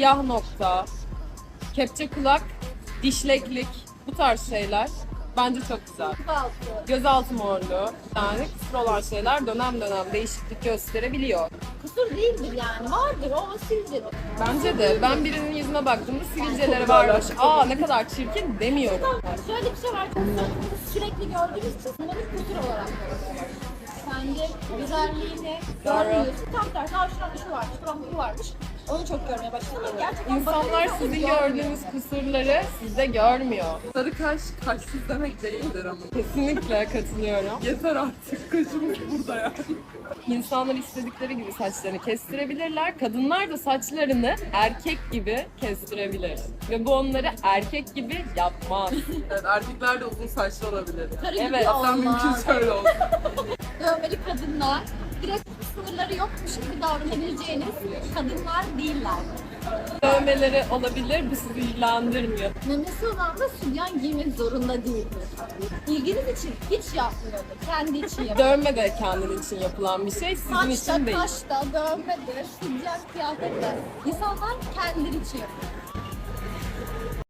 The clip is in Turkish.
siyah nokta, kepçe kulak, dişleklik, bu tarz şeyler bence çok güzel. Gözaltı morluğu, yani kusur olan şeyler dönem dönem değişiklik gösterebiliyor. Kusur değildir yani. Vardır o sivilcedir. Bence de ben birinin yüzüne baktığımda sivilceleri varmış. Aa ne kadar çirkin demiyorum. Şöyle bir şey var. Kusur sürekli gördüğümüz için bunları kusur olarak görüyoruz. Kendi güzelliğini görmüyorsun. Tam tersi, şurada şu varmış, şurada bu varmış. Onu çok görmeye başladım. Ama gerçekten İnsanlar sizin gördüğünüz kusurları sizde görmüyor. Sarı kaş kaşsız demek değildir ama. Kesinlikle katılıyorum. Yeter artık, kaşımız burada yani. İnsanlar istedikleri gibi saçlarını kestirebilirler. Kadınlar da saçlarını erkek gibi kestirebilir. Ve bu onları erkek gibi yapmaz. Evet, erkekler de uzun saçlı olabilir. Karı Evet. gibi Hatta olmaz. mümkünse öyle olsun. Dövmeli kadınlar direkt sınırları yokmuş gibi davranabileceğiniz kadınlar değiller. Dövmeleri olabilir, bu sizi ilgilendirmiyor. Memesi olan da sütyen giymek zorunda değildir. İlginiz için hiç yapmıyordur. Kendi için yapıyor. Dövme de kendin için yapılan bir şey, sizin Saçta, için değil. kaşta, dövmedir, sütyen kıyafetler. İnsanlar kendileri için yapıyor.